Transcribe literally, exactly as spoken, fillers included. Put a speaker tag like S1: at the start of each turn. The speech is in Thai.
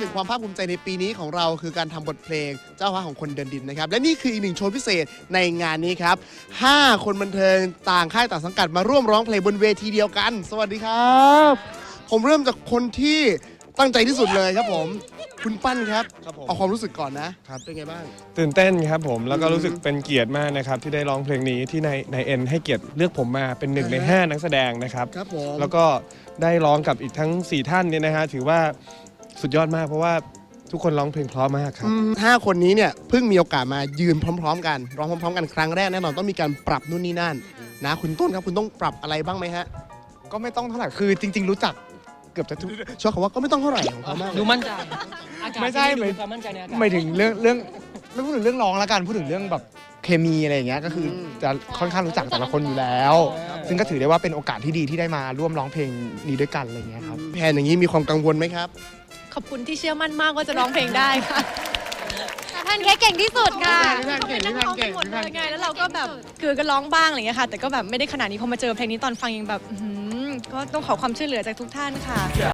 S1: ถึงความภาคภูมิใจในปีนี้ของเราคือการทำบทเพลงเจ้าฟ้าของคนเดินดินนะครับและนี่คืออีกหนึ่งโชว์พิเศษในงานนี้ครับห้าคนบันเทิงต่างค่ายต่างสังกัดมาร่วมร้องเพลงบนเวทีเดียวกันสวัสดีครับผมเริ่มจากคนที่ตั้งใจที่สุดเลยครับผมคุณปั้นครับเอาความรู้สึกก่อนนะครับเป็นไงบ้าง
S2: ตื่นเต้นครับผมแล้วก็รู้สึกเป็นเกียรติมากนะครับที่ได้ร้องเพลงนี้ที่ในในเอ็นให้เกียรติเลือกผมมาเป็นหนึ่งในห้านักแสดงนะครับ
S1: ครับผม
S2: แล้วก็ได้ร้องกับอีกทั้งสี่ท่านเนี่ยนะฮะถือว่าสุดยอดมากเพราะว่าทุกคนร้องเพลงเพราะมากครับ
S1: ห้าคนนี้เนี่ยเพิ่งมีโอกาสมายืนพร้อมๆกันร้องพร้อมๆกันครั้งแรกแน่นอนต้องมีการปรับนู่นนี่นั่นนะคุณต้นครับคุณต้องปรับอะไรบ้างไหมฮะ
S3: ก็ไม่ต้องเท่าไหร่คือจริง ๆ รู้จักเกือบจะทุก
S1: ชอบคำว่าก็ไม่ต้องเท่าไหร่ของเขามาก
S4: ดูมั่นใจ
S3: ไม่ใช่
S4: ดูความมั่นใจในอากาศ
S3: ไม่ถึงเรื่องเรื่องไม่พูดถึงเรื่องร้องแล้วกันพูดถึงเรื่องแบบเคมีอะไรอย่างเงี้ยก็คือจะค่อนข้างรู้จักแต่ละคนอยู่แล้ว ซึ่งก็ถือได้ว่าเป็นโอกาสที่ดีที่ได้มาร่วมร้องเพลงนี้ด้วยกันอะไรอย่างเงี้ยครับ
S1: แพนอย่างนี้มีความกังวลไหมครับ
S5: ขอบคุณที่เชื่อมั่นมากว่าจะร้องเพลงได้ค่ะแพนเค้กเก่งที่สุดค่ะเขาเป็นนักร้องกันหมดเลยไงแล้วเราก็แบบคือก็ร้องบ้างอะไรอย่างเงี้ยค่ะแต่ก็แบบไม่ได้ขนาดนี้พอมาเจอเพลงนี้ตอนฟังยังแบบก็ต้องขอความช่วยเหลือจากทุกท่านค่ะ